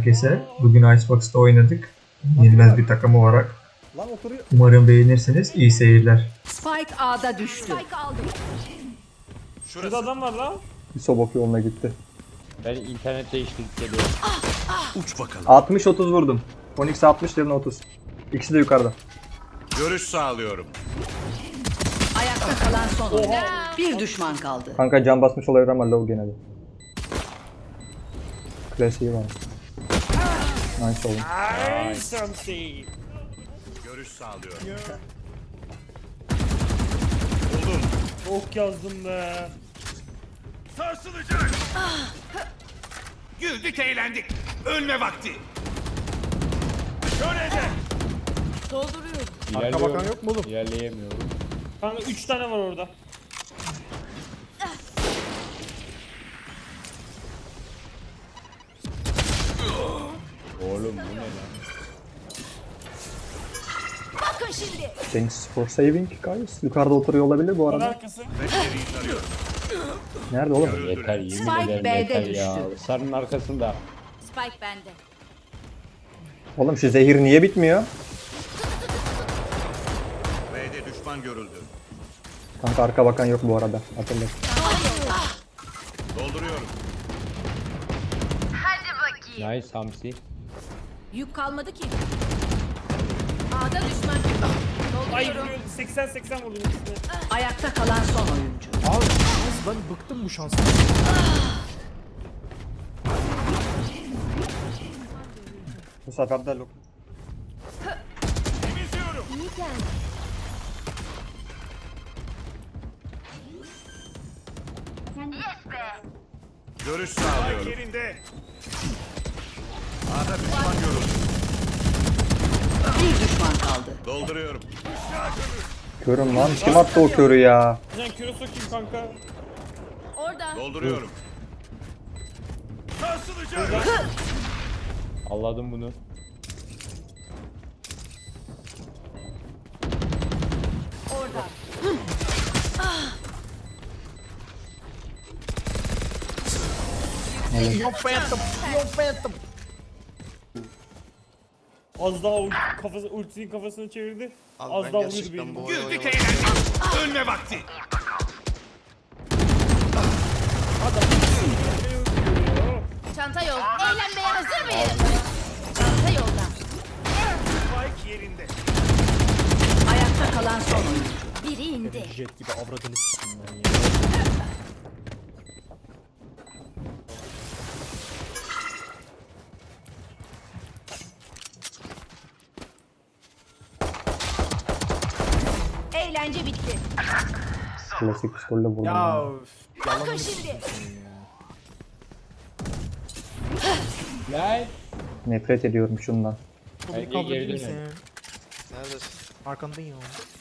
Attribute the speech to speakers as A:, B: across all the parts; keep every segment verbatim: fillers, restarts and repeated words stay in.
A: herkese. Bugün Icebox'ta oynadık. Yenilmez bir takım olarak.
B: Lan oturuyor.
A: Umarım beğenirsiniz. İyi seyirler.
C: Spike A'da düştü. Spike aldım.
B: Şurada adam var lan.
D: Sobok yoluna gitti.
E: Ben internet değiştirip geliyorum.
B: Uç bakalım.
D: altmış otuz vurdum. Onyx altmış, yerine otuz. İkisi de yukarıda.
B: Görüş sağlıyorum.
C: Ayakta kalan son oyuncu. Bir düşman kaldı.
D: Kanka can basmış olabilir ama low gene de. Klasiği var. Nice oğlum.
B: Ay something. Görüş sağlıyorum. Buldum.
F: Ok yazdım be.
B: Sarsılacak. Güldük eğlendik. Ölme vakti. Şöyle
E: İlerliyorum.
D: bakan yok mu oğlum?
E: İlerleyemiyorum.
F: Kanka üç tane var orada.
E: Oğlum bu ne lan?
D: Thanks for saving guys. Yukarıda oturuyor olabilir bu
F: Var
D: arada.
F: arkası.
D: Nerede oğlum?
E: Yeter yemin
C: Spike
E: ederim
C: B'de
E: yeter
C: düştü.
E: ya. Sarının arkasında.
G: Spike bende.
D: Oğlum şu zehir niye bitmiyor?
B: B'de düşman görüldü.
D: Kanka arka bakan yok bu arada. Hatırla.
B: Dolduruyorum.
E: Nice Hamsi.
G: Yük kalmadı ki. A'da düşman.
F: Ay
G: Dolduruyorum.
F: seksen seksen vurdum ikisine.
C: Ayakta kalan son oyuncu.
H: Abi ben bıktım bu şanstan.
D: Bu sefer de low.
B: Temizliyorum. Görüş sağlıyorum. Yerinde. A'da düşman görüldü.
C: Bir düşman kaldı.
B: Dolduruyorum.
D: Körüm lan. Kim attı o körü ya?
F: Sen küre sokayım kanka.
G: Orada.
B: Dolduruyorum. Sarsılacak.
E: Anladım bunu.
G: Orada.
H: Yok phantom. Yok phantom.
F: Az daha ult kafası ultisinin kafasını çevirdi.
H: Abi
F: Az
H: ben
F: daha vurdu
H: gerçekten
F: benim.
H: bu oyunu
B: Güldük
H: oynamadım.
B: eğlendik. Ölme vakti.
G: Çanta yol. Eğlenmeye hazır mıyız? Çanta yolda.
B: Spike yerinde.
C: Ayakta kalan son oyuncu.
G: Biri indi.
H: Jet gibi avradını s**tim ben ya.
G: Eğlence bitti.
D: Klasik pistolle vurdum.
H: Ya
D: Ya.
H: üf, yalan
G: Bakın şimdi.
E: Lan.
D: Nefret ediyorum şundan.
H: Bunu
E: Erkeğe
H: kaldırabilir
E: geri
H: misin?
E: dönelim.
H: Neredesin? Arkandayım.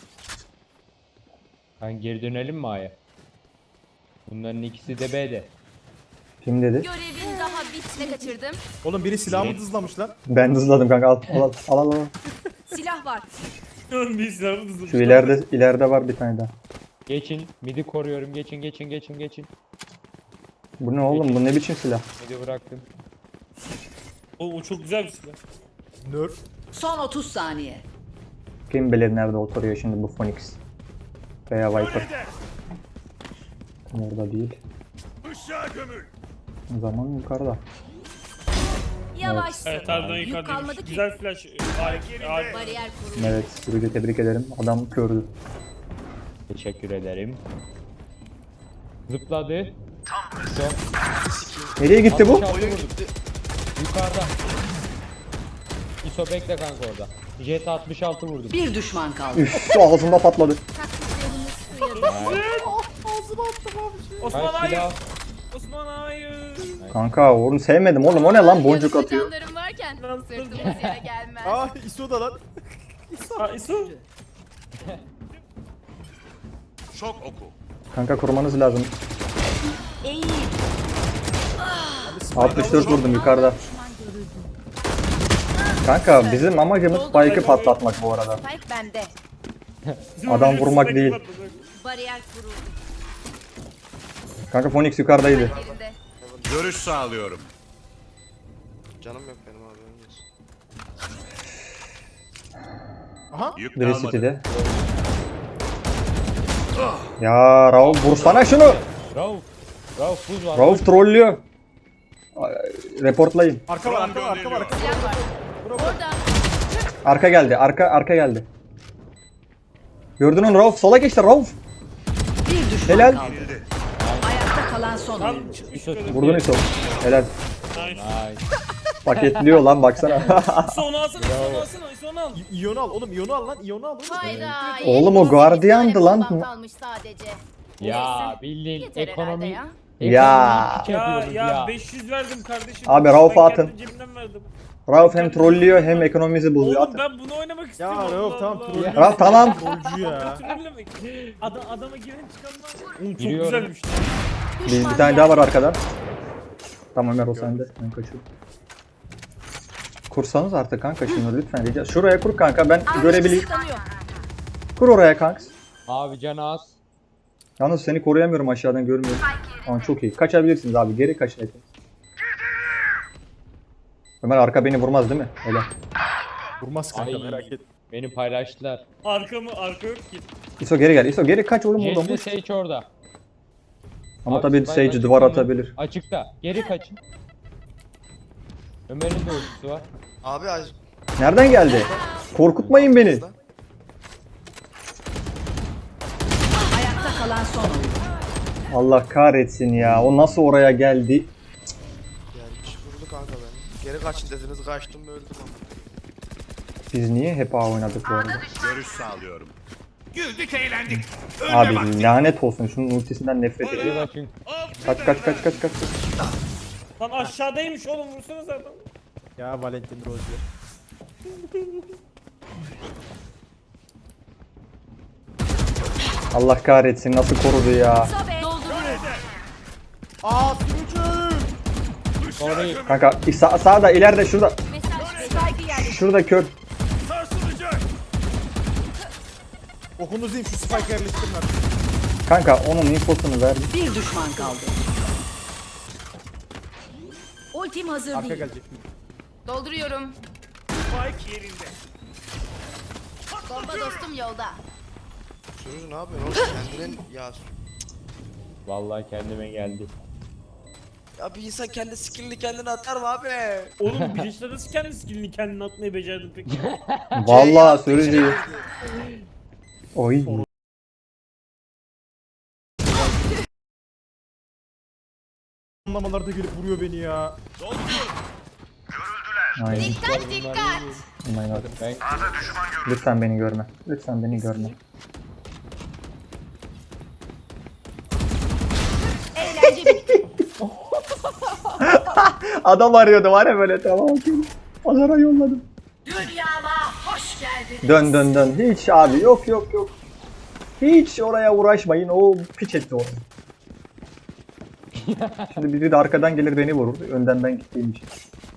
E: Ben geri dönelim mi A'ya? Bunların ikisi de B'de.
D: Kim dedi?
G: Görevin daha bitme kaçırdım.
H: Oğlum biri silahımı dızlamış lan.
D: Ben hızladım kanka. Al al al al. al.
G: Silah var.
F: Bir silahı hızlı.
D: Şu ileride ileride var bir tane daha.
E: Geçin. Midi koruyorum. Geçin geçin geçin geçin.
D: Bu ne oğlum? Bu ne biçim silah?
E: Midi bıraktım.
F: Oğlum o çok güzel bir silah.
H: Nerf.
C: Son otuz saniye.
D: Kim bilir nerede oturuyor şimdi bu Phoenix? Veya Viper. Tam orada değil.
B: Işığa gömül.
D: O zaman yukarıda.
G: Yavaşsın.
F: Evet harbiden
G: Yük
F: yukarıdaymış.
G: kalmadı ki.
F: Güzel flash. Harika. harika.
G: Bariyer kurulu.
D: Evet, Sürücü tebrik ederim. Adam kördü.
E: Teşekkür ederim. Zıpladı. Tam
D: Nereye gitti bu?
E: Oyun gitti. Yukarıda. İso bekle kanka orada. Jet altmış altı vurdum.
C: Bir düşman kaldı.
D: Üf, şu ağzımda patladı.
F: Osman
E: Ben
F: hayır.
E: silah.
F: Osman hayır.
D: Kanka onu sevmedim oğlum. O ne lan? Boncuk
G: Yanımda
D: atıyor.
G: canlarım varken sırtımız yere gelmez.
H: Aa İso da lan.
F: Ha İso.
B: Şok oku.
D: Kanka korumanız lazım.
G: İyi.
D: altmış dört vurdum yukarıda. Kanka bizim amacımız Spike'ı patlatmak bu arada.
G: Spike bende.
F: Bizim
D: Adam
F: oyuncu
D: vurmak
F: sürekli
D: değil.
F: patladı.
G: Bariyer kuruldu.
D: Kanka Phoenix yukarıdaydı.
G: Yerinde.
B: Görüş sağlıyorum.
H: Canım yok benim Aha.
B: Yük
D: Biri
B: kalmadı.
D: City'de. Ya Rauf vursana şunu.
E: Rauf. Rauf buz var.
D: Rauf trollüyor. Ay, Reportlayın.
H: Arka var arka var arka var. Arka.
G: Silah var. Orada.
D: Arka geldi. Arka arka geldi. Gördün onu Rauf. Sola geçti Rauf.
C: Bir düşman
D: Helal.
C: kaldı. Ayakta kalan son
F: Tam
C: oyuncu.
F: çıkmış
E: İso-
F: böyle.
D: Vurdun İso. Helal.
F: Nice.
E: Ay.
D: Paketliyor lan baksana.
F: İso onu alsana, İso onu alsana, İso onu al.
H: İ- İyonu al oğlum iyonu al lan iyonu al oğlum.
G: Hayda.
D: Oğlum o
G: yetmiş
D: gardiyandı
G: tane
D: lan.
G: bombam kalmış sadece.
E: Ya
G: Neyse.
E: bildiğin
G: Yeter herhalde
E: ekonomi.
G: ya.
D: Ya.
E: ekonomi
F: Ya,
E: yapıyoruz
F: ya
E: ya.
F: beş yüz verdim kardeşim.
D: Abi, Rauf'a
F: Ben kendi
D: atın.
F: cebimden verdim.
D: Rauf hem trollüyor hem ekonomimizi bozuyor.
F: Oğlum
D: Atın.
F: ben bunu oynamak
H: Ya
F: istiyorum.
H: Rauf
F: Allah
H: tamam
F: Allah.
H: trollü.
D: Rauf tamam.
H: Trollcü ya.
F: Trollemek. Ada, adama giren çıkanlar. Oğlum çok
E: Giriyorum.
F: güzelmiş.
D: Bir, bir tane daha var arkadan. Tamam Ömer o sende. Ben kaçıyorum. Kursanız artık kanka şunu lütfen rica. Şuraya kur kanka ben görebileyim.
G: Kısıtlanıyor.
D: Kur oraya kanks.
E: Abi canı az.
D: Yalnız seni koruyamıyorum aşağıdan görmüyorum. Ama çok iyi. Kaçabilirsiniz abi. Geri kaçın hepiniz. Ömer arka beni vurmaz değil mi? Öyle.
H: Vurmaz kanka
E: Ay.
H: merak etme.
E: Beni paylaştılar.
F: Arka mı? Arka yok ki.
D: İso geri gel. İso geri kaç oğlum oradan.
E: Jet'le
D: Boş.
E: Sage orada.
D: Ama
E: Abi,
D: tabii
E: Spike
D: Sage
E: açıkta
D: duvar
E: mı?
D: atabilir.
E: Açıkta. Geri kaçın. Ömer'in de ultisi var.
I: Abi az
D: Nereden geldi? Korkutmayın beni.
C: Ayakta kalan son oyuncu.
D: Allah kahretsin ya. O nasıl oraya geldi?
I: gelmiş vurdu kanka beni. Geri kaçın dediniz kaçtım öldüm ama.
D: Biz niye hep A oynadık bu arada?
B: Görüş sağlıyorum. Güldük eğlendik. Önüne
D: Abi
B: vakti.
D: lanet olsun. Şunun ultisinden nefret
E: Geri
D: ediyorum.
E: kaçın.
D: Kaç kaç kaç kaç kaç.
F: Lan aşağıdaymış oğlum vursana zaten.
H: Ya Valentin Rozier.
D: Allah kahretsin nasıl korudu ya.
G: Sobe. Dolduruyor.
H: Aa sürücü.
E: Sonra
D: Kanka sağ, sağda ileride şurada.
G: Mesaj. Spike'ı yerleştir.
D: Şurada kör.
B: Sarsılacak.
H: Okunuzu yiyeyim şu spike yerleştirin artık.
D: Kanka onun infosunu ver.
C: Bir düşman kaldı. Ultim hazır
H: Arka
C: değil.
H: gelecek.
G: Dolduruyorum.
B: Spike yerinde.
G: Bomba dostum yolda.
I: Sürücü ne yapıyorsun oğlum kendinin ya.
E: vallahi kendime geldi.
I: Ya bir insan kendi skillini kendine atar mı abi?
F: Oğlum bir işte nasıl kendi skillini kendine atmayı becerdin peki?
D: Vallahi sürücüyü. Oy.
H: Anlamalarda gelip vuruyor beni ya.
D: Aynen.
G: Dikkat dikkat.
D: Oh my God.
E: Ben
D: Lütfen beni görme. Lütfen beni görme.
G: Eğlence bitti.
D: Adam arıyordu var ya böyle tamam. Pazara yolladım.
C: Dünyama hoş geldin.
D: Dön dön dön. Hiç abi yok yok yok. Hiç oraya uğraşmayın. O piç etti orayı. Şimdi biri de arkadan gelir beni vurur. Önden ben gittiğim için.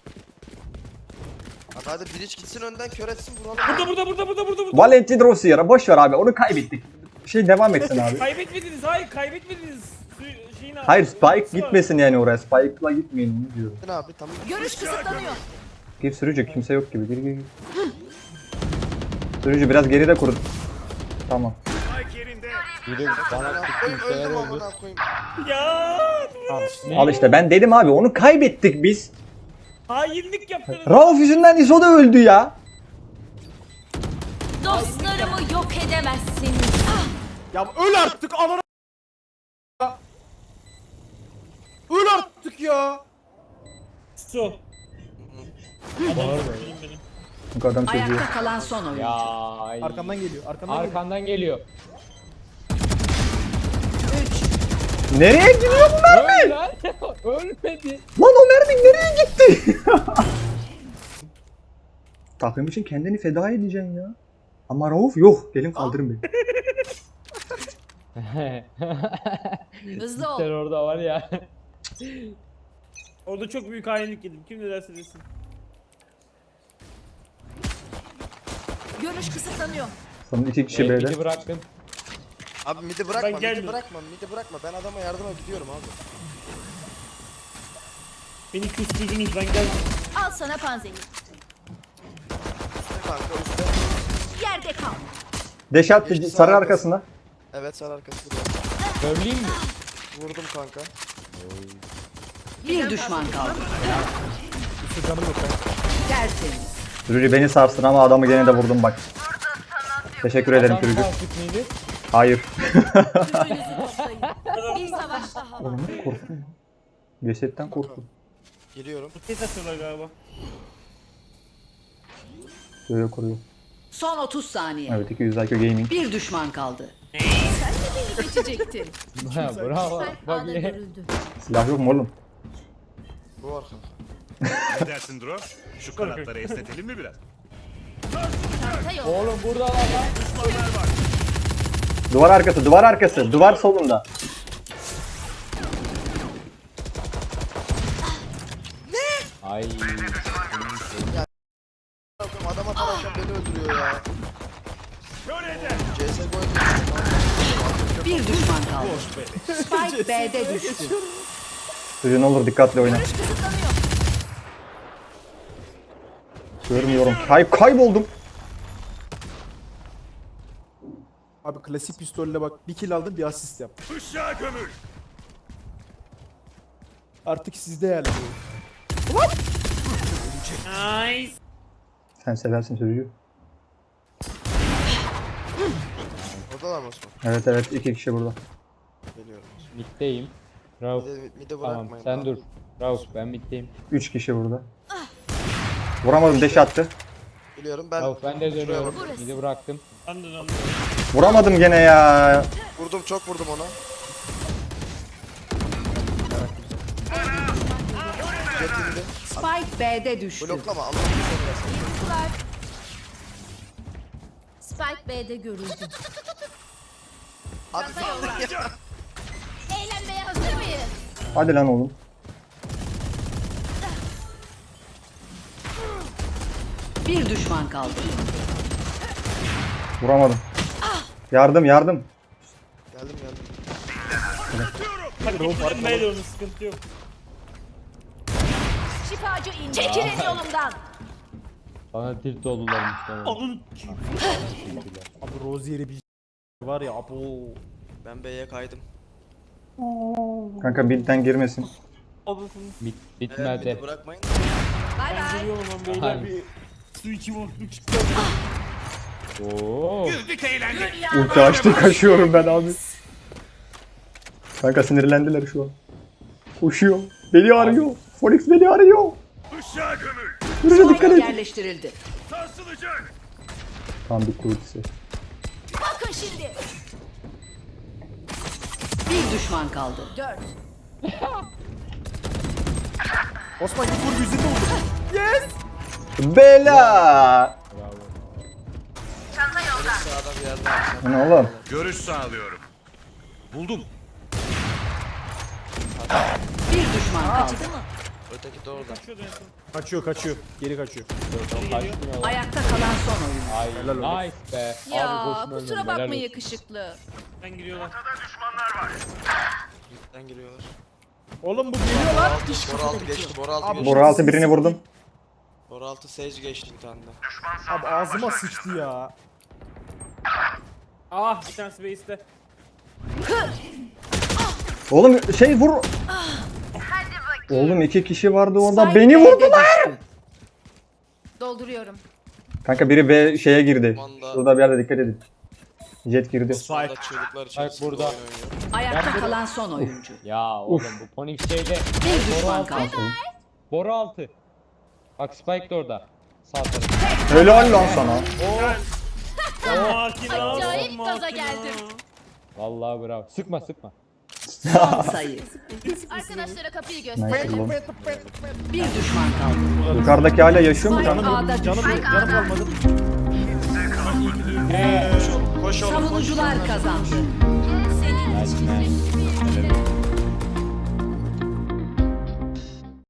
I: Abi hadi bir iç gitsin önden kör etsin vuralım.
F: Burada burada burada burada burada burada.
D: Valentin Rossier'a boş ver abi. Onu kaybettik. Şey devam etsin abi.
F: Kaybetmediniz hayır kaybetmediniz. Su- Şeyin abi,
D: Hayır Spike
F: ultisi var.
D: gitmesin yani oraya. Spike'la gitmeyin onu diyorum.
I: Ne abi tamam.
G: Görüş kısıtlanıyor.
D: Gir sürücü kimse yok gibi. Gir gir gir. Sürücü biraz geride kurun. Tamam.
B: Spike yerinde.
E: biri bana
I: Amına
E: tıktı
I: koyayım
E: bir şeyler
I: öldüm
E: oldu.
I: amına koyayım.
F: Ya.
H: Al işte.
D: Al işte ben dedim abi onu kaybettik biz.
F: Hainlik yaptınız.
D: Rauf yüzünden İso da öldü ya.
G: Dostlarımı yok edemezsiniz.
H: Ya öl artık ananı. Öl artık ya.
F: Su.
D: Bu adam çocuğu.
C: Ayakta kalan son oyuncu.
E: Ya ay.
H: Arkandan geliyor. Arkandan geliyor.
E: Arkandan geliyor.
D: Nereye gidiyor bu mermi?
E: Öl lan. Ölmedi.
D: Lan o mermi nereye gitti? Takım için kendini feda edeceksin ya. Ama Rauf yok. Gelin kaldırın beni.
C: Hızlı ol.
E: Sen orada var ya.
F: Orada çok büyük hainlik yedim. Kim ne derse desin.
G: Görüş kısıtlanıyor.
D: Son iki kişi
E: Belki
D: B'de.
E: bıraktın.
I: Abi midi bırakma midi
F: gelmiyorum.
I: bırakma midi bırakma ben adama yardıma gidiyorum abi.
F: Beni küstürdünüz ben geldim.
G: Al sana panzehir.
I: Kanka üstte.
G: Yerde kal.
D: Deş attı
I: Geçti,
D: sarı
I: sağ
D: arkasında.
I: Evet sarı arkası.
E: Söyleyeyim mi?
I: Vurdum kanka.
C: Bir düşman kaldı.
H: Üstü canım yok ben.
C: Tertemiz.
D: Rüri beni sarstın ama adamı gene de vurdum bak. Teşekkür ederim
E: Adam
D: Rüri.
E: kalkıp mıydı?
D: Hayır.
G: Önünüzü toplayın. Bir savaş daha var.
D: Oğlum korktum. Cesetten korktum.
I: Geliyorum.
F: Ses atıyorlar galiba.
D: Böyle koruyor.
C: Son otuz saniye.
D: Evet iki yüz I Q Gaming.
C: Bir düşman kaldı.
G: Geçecektin.
E: Ha, bravo. Bak
G: Ağda
E: ye.
G: görüldü.
D: Silah yok mu oğlum?
I: Bu var kanka.
B: Ne dersin Dro? Şu kanatları esnetelim mi biraz?
G: Çanta yok.
E: Oğlum burada lan lan.
D: Duvar arkası, duvar arkası, duvar solunda.
E: Ay.
I: Bakın adam atarken beni öldürüyor ya. C S G O'ya
C: Bir düşman kaldı. Spike B'de düştü.
D: Rüri ne olur dikkatli oyna.
G: Görüş kısıtlanıyor.
D: Görmüyorum. Kay kayboldum.
H: Abi klasik pistolle bak bir kill aldım bir asist yaptım.
B: Işığa gömül.
H: Artık sizde yani.
F: Nice.
D: Sen seversin sözcüğü.
I: Oradalar mı Osman?
D: Evet evet iki kişi burada.
I: Geliyorum.
E: Middeyim. Rauf.
I: Mide, mide
E: Tamam
I: bırakmayın.
E: sen
I: abi.
E: dur. Rauf ben middeyim.
D: Üç kişi burada. Vuramadım deş attı.
I: Biliyorum ben.
E: Rauf ben de dönüyorum.
G: Burası.
E: Midi bıraktım.
F: Ben de döndüm.
D: Vuramadım gene ya.
I: Vurdum çok vurdum ona. Getirdi.
C: Spike B'de düştü.
I: Bloklama Allah'ını seversen.
G: Yıktılar. Spike B'de görüldü.
I: Abi
G: Çanta yolda. Eğlenmeye hazır mıyız?
D: Hadi lan oğlum.
C: Bir düşman kaldı.
D: Vuramadım. Yardım yardım.
I: geldim geldim.
F: Hadi gittim B'de onu sıkıntı yok.
G: Şifacı indi. Çekilin yolumdan.
E: Bana tilt oldular muhtemelen.
F: Alın.
H: Abi Rozier'i bir var ya abo.
I: Ben B'ye kaydım.
D: Kanka birden girmesin.
F: Alırsın.
E: Bit,
I: Evet
E: bitmedi.
I: mide bırakmayın.
G: Bay bay.
F: Geliyorum lan beyler
E: Hayır.
F: bir su içim unuttuk çıktı.
E: Oo.
B: Güldük eğlendik.
D: Ulti açtı kaçıyorum ben abi. Kanka sinirlendiler şu an. Koşuyor. Beni arıyor. Phoenix beni arıyor.
B: Işığa gömül.
D: Rüri dikkat
C: Spike
D: et.
C: yerleştirildi.
B: Sarsılacak.
D: Tam bitti ultisi.
G: Bakın şimdi.
C: Bir düşman kaldı.
G: Dört.
H: Osman git vur yüzünde vur.
D: Bela.
I: Sağda bir yerde var.
D: Bu ne oğlum?
B: Görüş sağlıyorum. Buldum.
C: Bir düşman kaldı.
I: Öteki de orada.
H: Kaçıyor kaçıyor. Geri kaçıyor.
E: Kaçmıyor lan.
C: Ayakta kalan son oyun.
E: Ay
H: Helal olsun.
E: nice be.
G: Ya
E: Abi boşuna
G: kusura
E: öldüm,
G: bakma
E: helal olsun.
G: yakışıklı.
F: Ben giriyorlar.
I: Midden giriyorlar.
H: Oğlum bu geliyor lan.
I: Bora altı geçti. Bora altı
H: Abi,
I: geçti.
D: Bora altı birini vurdum.
I: Bora altı Sage geçti bir tane de.
H: Abi ağzıma sıçtı ya.
F: Ah bir tanesi base'te.
D: Oğlum şey vur. Oğlum iki kişi vardı orada.
C: Spike
D: Beni
C: B'de
D: vurdular.
C: düştü.
G: Dolduruyorum.
D: Kanka biri B şeye girdi.
I: Manda.
D: Şurada bir yerde dikkat edin. Jet girdi.
I: Sonra çığlıklar içerisinde
E: burada.
I: oyun oynuyor.
C: Ayakta
E: Ben-
C: kalan son oyuncu.
E: Ya oğlum bu Phoenix şeyde.
C: Bir düşman kaldı.
E: Boru altı. Bak Spike de orada. Sağ tarafı.
D: Helal lan sana.
F: Makina.
G: Acayip gaza
F: makina.
G: geldim.
E: Vallahi bravo. Sıkma sıkma.
C: Son sayı.
G: Arkadaşlara kapıyı
D: Nice
G: gösterelim.
D: oğlum.
C: Bir düşman kaldı.
D: Yukarıdaki hala yaşıyor mu
C: Spike
D: kanka?
C: A'da
H: Canım
C: düştü.
H: yok canım kalmadı.
I: Koş oğlum koş oğlum.
C: Savunucular kazandı.
G: Senin için.